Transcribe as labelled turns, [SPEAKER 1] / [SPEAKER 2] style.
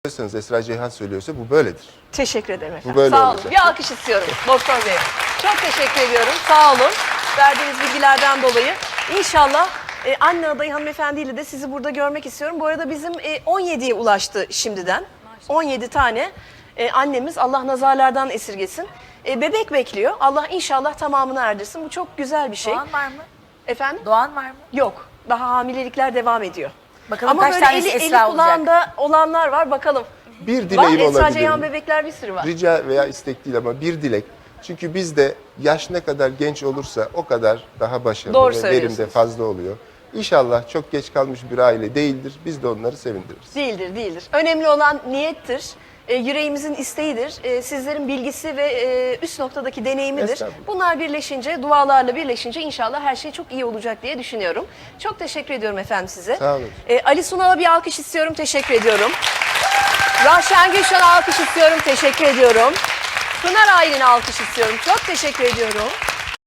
[SPEAKER 1] Esra Ceyhan söylüyorsa bu böyledir.
[SPEAKER 2] Teşekkür ederim efendim.
[SPEAKER 1] Bu böyle
[SPEAKER 2] Sağ olun.
[SPEAKER 1] olacak.
[SPEAKER 2] Bir alkış istiyorum Doktor Bey. Çok teşekkür ediyorum. Sağ olun. Verdiğiniz bilgilerden dolayı. İnşallah anne adayı hanımefendiyle de sizi burada görmek istiyorum. Bu arada bizim 17'ye ulaştı şimdiden. 17 tane annemiz, Allah nazarlardan esirgesin. Bebek bekliyor. Allah inşallah tamamını erdirsin. Bu çok güzel bir şey.
[SPEAKER 3] Doğan var mı?
[SPEAKER 2] Efendim?
[SPEAKER 3] Doğan var mı?
[SPEAKER 2] Yok. Daha hamilelikler devam ediyor.
[SPEAKER 3] Bakalım
[SPEAKER 2] Ama
[SPEAKER 3] kaç
[SPEAKER 2] böyle
[SPEAKER 3] tanesi
[SPEAKER 2] eli
[SPEAKER 3] Esra olacak?
[SPEAKER 2] kulağında olanlar var. Bakalım.
[SPEAKER 1] Bir
[SPEAKER 2] Var.
[SPEAKER 1] dileğim
[SPEAKER 2] Esra
[SPEAKER 1] olabilir
[SPEAKER 2] Ceyhan
[SPEAKER 1] mi?
[SPEAKER 2] bebekler bir sürü var.
[SPEAKER 1] Rica veya istek değil ama bir dilek. Çünkü bizde yaş ne kadar genç olursa o kadar daha başarılı
[SPEAKER 2] Doğru
[SPEAKER 1] ve verim de
[SPEAKER 2] söylüyorsunuz.
[SPEAKER 1] fazla oluyor. İnşallah çok geç kalmış bir aile değildir. Biz de onları sevindiririz.
[SPEAKER 2] Değildir, değildir. Önemli olan niyettir. Yüreğimizin isteğidir. Sizlerin bilgisi ve üst noktadaki deneyimidir.
[SPEAKER 1] Estağfurullah.
[SPEAKER 2] Bunlar birleşince, dualarla birleşince inşallah her şey çok iyi olacak diye düşünüyorum. Çok teşekkür ediyorum efendim size.
[SPEAKER 1] Sağ olun.
[SPEAKER 2] Ali Sunal'a bir alkış istiyorum. Teşekkür ediyorum. Rahşen Gülşen'e alkış istiyorum. Teşekkür ediyorum. Pınar Aylin'e alkış istiyorum. Çok teşekkür ediyorum.